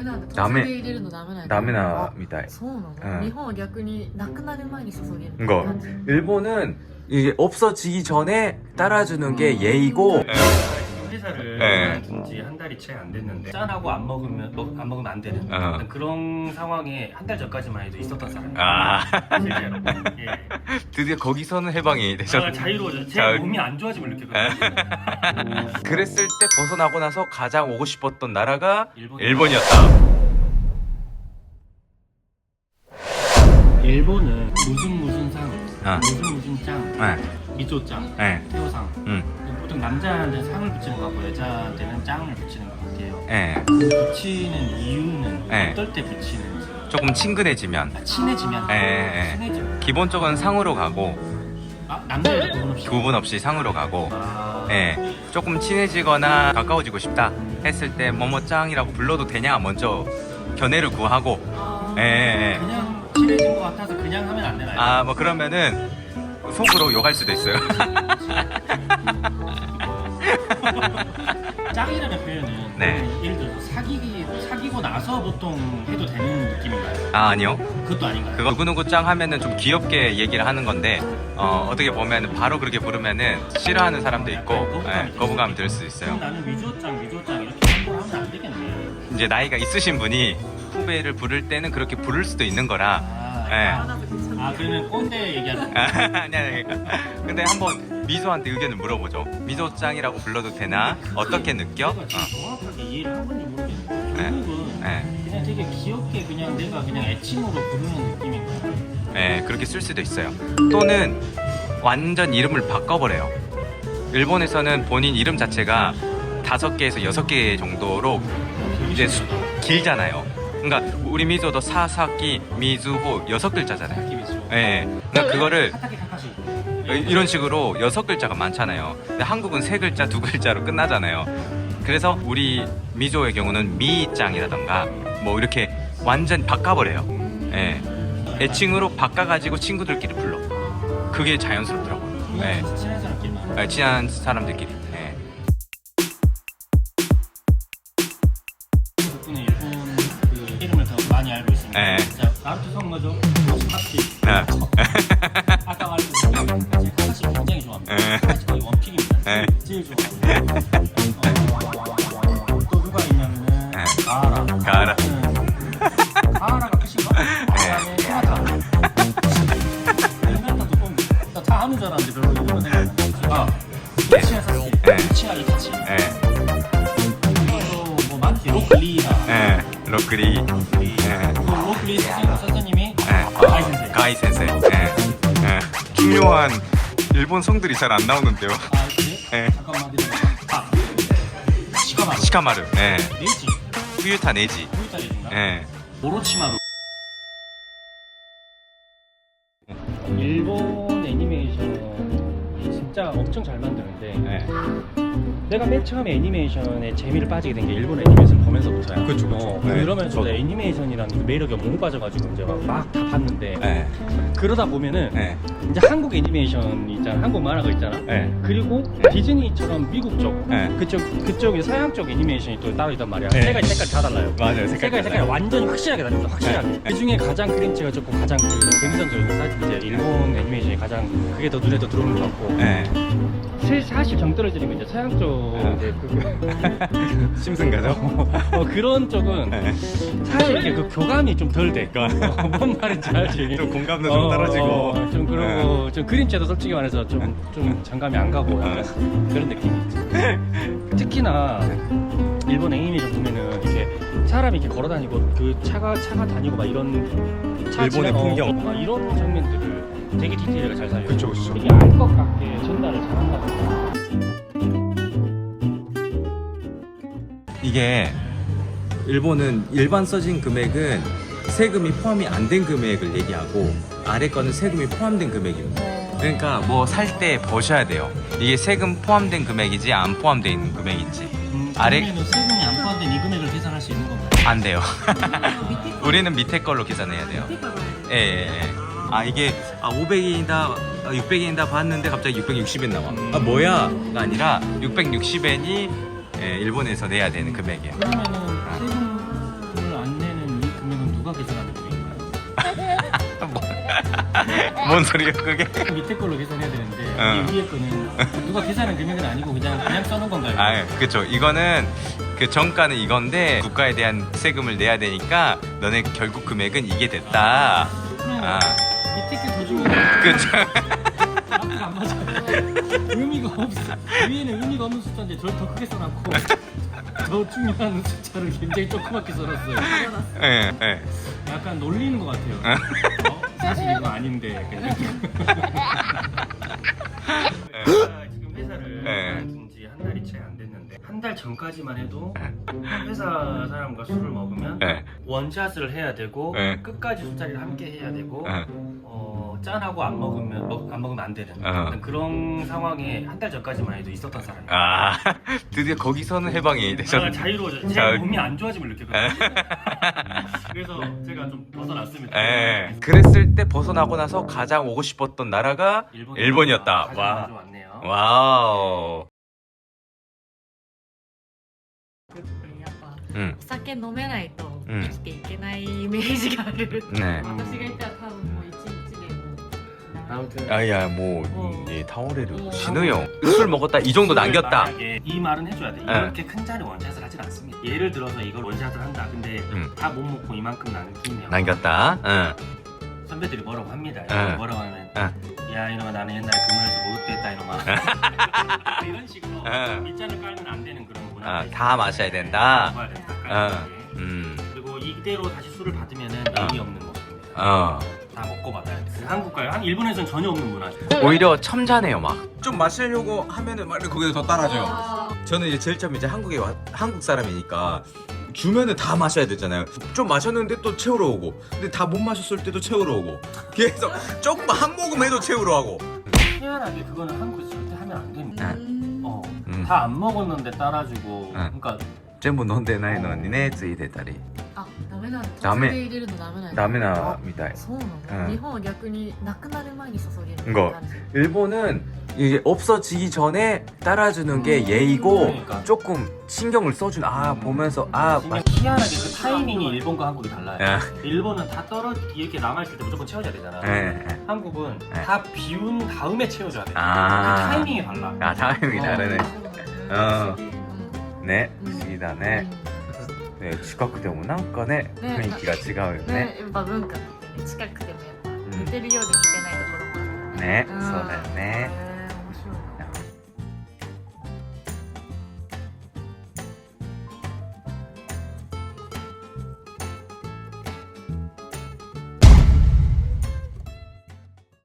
メなんだ。途ダメ中で入れるのダメなんだ。 ダメなみたい。 そうなの、 うん日本は逆になくなる前に注げる 이거 感じ。 일본은 이게 없어지기 전에 따라주는 게 예의고. 회사를 네. 그만둔 지 한 달이 채 안 됐는데 짠하고 안 먹으면 안 되는 어. 그런 상황에 한 달 전까지만 해도 있었던 사람이에요. 아 실제로. 예. 드디어 거기서는 해방이 되셨. 자유로워져. 제 자- 몸이 안 좋아짐을 느꼈거든요. 그랬을 때 벗어나고 나서 가장 오고 싶었던 나라가 일본이다. 일본이었다. 일본은 무슨 상, 아. 무슨 짱, 네, 미조짱, 네, 태호상. 보통 남자한테는 상을 붙이는 것 같고 여자한테는 짱을 붙이는 것 같아요. 네. 그 붙이는 이유는 네. 어떨 때 붙이는지. 조금 친근해지면. 친해지면. 네. 친해지면. 기본적으로 상으로 가고 남자 여자 구분 없이. 구분 없이 상으로 가고. 아. 네. 조금 친해지거나 가까워지고 싶다 했을 때 뭐뭐짱이라고 불러도 되냐 먼저 견해를 구하고. 네. 그냥 친해진 것 같아서 그냥 하면 안 되나요? 아 뭐 그러면은 속으로 욕할 수도 있어요. 짱이라는 표현은 네. 예를 들어서 사귀고 나서 보통 해도 되는 느낌인가요? 아 아니요. 그것도 아닌가요? 그거 누구누구 짱 하면은 좀 귀엽게 얘기를 하는 건데 어떻게 보면 바로 그렇게 부르면은 싫어하는 사람도 있고 거부감이 들 수 있어요. 그럼 나는 위조짱 이렇게 함부로 하면 안 되겠네. 이제 나이가 있으신 분이 후배를 부를 때는 그렇게 부를 수도 있는 거라. 그러면 꼰대 얘기하는 아니. 근데 한번 미소한테 의견을 물어보죠. 미소짱이라고 불러도 되나? 어떻게 느껴? 내가 지금 정확하게 이해를 한 건지 모르겠는데 네. 결국은 네. 그냥 되게 귀엽게 그냥 내가 그냥 애칭으로 부르는 느낌인가요? 네, 그렇게 쓸 수도 있어요. 또는 완전 이름을 바꿔버려요. 일본에서는 본인 이름 자체가 5개에서 6개 정도로 이제 길잖아요. 그러니까 우리 미소도 사사키, 미즈호 6글자잖아요. 느낌이죠. 네. 그러니까 그거를 카타키 카카시 이런 식으로 6글자가 많잖아요. 근데 한국은 3글자, 2글자로 끝나잖아요. 그래서 우리 미조의 경우는 미짱이라던가 뭐 이렇게 완전 바꿔버려요. 예. 애칭으로 바꿔가지고 친구들끼리 불러. 그게 자연스럽더라고요. 예. 친한 사람끼리만. 예, 친한 사람들끼리. 예. 덕분에 일본 그 이름을 더 많이 알고 있습니다. 네. 자, 나루토 성거죠. 카카시. 아, 아까 말했듯이 카카시 굉장히 좋아합니다. 네. 카카시 거의 원픽입니다. 네. 제일 좋아하고. 또 누가 있냐면은 네. 가하라. 가하라. 가하라가 끝인가? 그다음에 히나타. 히나타도 좀 다 하는 줄 알았는데 별로 이런 생각. 우치야 사실. 네. 우치야 이타치. 예. 또 뭐 많지. 로클리나. 예. 로크리. 예. 그 로클리 선생님이 예. 가이 센세. 가이 센세. 예. 예. 중요한 일본 성들이 잘 안 나오는데요. 아 그래? 예. 잠깐만 기다려. 시카마루. 시카마루. 예. 네이지. 후유타 네지. 후이타리인가? 예. 오로치마루. 일본 애니메이션이 진짜 엄청 잘 만드는데 예. 내가 맨 처음에 애니메이션에 재미를 빠지게 된 게 일본 애니메이션 보면서부터야. 그쵸. 네. 이러면서 저도. 애니메이션이라는 그 매력에 너무 빠져가지고 이제 막 다 봤는데 예. 그러다 보면은 예. 이제 한국 애니메이션 있잖아, 한국 만화가 있잖아. 예. 그리고 디즈니처럼 미국 쪽 예. 그쪽이 서양 쪽 애니메이션이 또 따로 있단 말이야. 네. 세 가지 색깔 다 달라요. 맞아요. 색깔이 완전히 확실하게 다릅니다. 확실하게. 네. 그 중에 가장 그림체가 좋고 가장 그 감성적인 게 사실 이제 일본 애니메이션이 가장 그게 더 눈에 더 들어오는 것 같고. 예. 사실 정 떨어지는 거 이제 서양 쪽 이제 심승가죠? 그런 쪽은 예. 사실 이렇게 그 교감이 좀 덜 돼. 뭔 말인지 알지? 좀 공감도 좀 떨어지고. 좀 그러고 좀 그림체도 솔직히 말해서 좀 장감이 안 가고 약간 그런 느낌이 있지. 특히나 일본 애니메이션 보면은 이렇게 사람이 이렇게 걸어다니고 그 차가 다니고 막 이런 차 일본의 지나가고 풍경. 막 이런 장면들을 되게 디테일하게 잘 살려. 그쵸, 그쵸. 되게 알 것 같게 전달을 잘한다 보니까. 이게 일본은 일반 써진 금액은 세금이 포함이 안 된 금액을 얘기하고 아래 거는 세금이 포함된 금액입니다. 그러니까 뭐 살 때 보셔야 돼요. 이게 세금 포함된 금액이지 안 포함된 금액인지. 아래- 그러면은 세금이 안 포함된 이 금액을 계산할 수 있는 건가요? 안 돼요. 밑에 거 우리는 밑에 걸로 계산해야 돼요. 밑에 거 봐야 돼. 예. 아 이게 500엔이다 600엔이다 봤는데 갑자기 660엔 나와. 아 뭐야가 아니라 660엔이 일본에서 내야 되는 금액이에요. 그러면은 세금을 뭔 소리야 그게? 밑에 걸로 계산해야 되는데 어. 이 위에 거는 누가 계산한 금액은 아니고 그냥 써놓은 건가요? 아, 그렇죠. 이거는 그 정가는 이건데 국가에 대한 세금을 내야 되니까 너네 결국 금액은 이게 됐다. 아, 밑에 게 더 중요해. 그렇죠. 앞뒤가 안 맞아. 의미가 없어. 위에는 의미가 없는 숫자인데 저를 더 크게 써놨고 더 중요한 숫자를 굉장히 조그맣게 써놨어요. 예, 예. 약간 놀리는 것 같아요. 사실 이거 아닌데. 제가 지금 회사를 그만둔 지 한 달이 채 안 됐는데 한 달 전까지만 해도 회사 사람과 술을 먹으면 예. 원샷을 해야 되고 네. 끝까지 술자리를 함께 해야 되고 예. 짠하고 안 먹으면 안 되는 그런 상황에 한 달 전까지만 해도 있었던 사람이에요. 아, 드디어 거기서는 해방이 되셨네. 자유로워져. 제 자- 몸이 안 좋아짐을 느꼈거든요. 그래서 제가 좀 벗어났습니다. 예. 그랬을 때 벗어나고 나서 가장 오고 싶었던 나라가 일본이었다. 가장 와. 자주 왔네요. 와우. やっぱ 응. お酒飲めないとうん生きていけないイメージがある、 네. 私がいたら多分もう一日でもう 아무튼 아야 뭐 이 타오레르 신우용 술 먹었다 이 정도 남겼다. 만약에 이 말은 해줘야 돼. 이렇게 큰 잔에 원샷을 하진 않습니다. 예를 들어서 이걸 원샷을 한다. 근데 다 못 먹고 이만큼 남기면 남겼다. 응. 선배들이 뭐라고 합니다. 응. 뭐라고 하면 응. 야 이놈아 나는 옛날에 금연에서 목욕됐다 이놈아. 이런 식으로 응. 밑잔을 깔면 안 되는 그런 문화. 아, 다 마셔야 된다. 먹어야 된다. 응. 깔끔하게. 그리고 이대로 다시 술을 받으면은 의미 없는 모습입니다. 다 먹고 받아야 돼. 한국과 일본에서는 전혀 없는 문화죠. 오히려 첨자네요 막. 좀 마시려고 하면은 막 거기서 더 따라줘요. 저는 이제 제일 처음 이제 한국 사람이니까 주면은 다 마셔야 되잖아요. 좀 마셨는데 또 채우러 오고, 근데 다 못 마셨을 때도 채우러 오고, 계속 조금 한 모금 해도 채우러 하고. 희한하게 그거는 한국에서 절대 하면 안 됩니다. 다 안 먹었는데 따라주고. 그러니까 全部飲んでないのにねついてたりあ、ダメなんだ。 ダメ途中で入れるのダメなんだ。 ダメなみたい。 そうなの、 うん日本は逆になくなる前に注げるって 이거 感じ。 일본은 이게 없어지기 전에 따라주는 게 예의고 그러니까. 조금 신경을 써준 보면서 그냥 희한하게 그 타이밍이 일본과 한국이 달라요. 야. 일본은 다 이렇게 남아있을 때 무조건 채워줘야 되잖아. 예. 한국은 네. 다 비운 다음에 채워줘야 돼. 그 아. 타이밍이 달라. 타이밍이 다르네. そうなんだ。 ね不思議だねね近くでもなんかねね雰囲気が違うよねね、やっぱ文化ってね、近くてもやっぱ似てるようで似てないところもあるよね。 ねそうだよね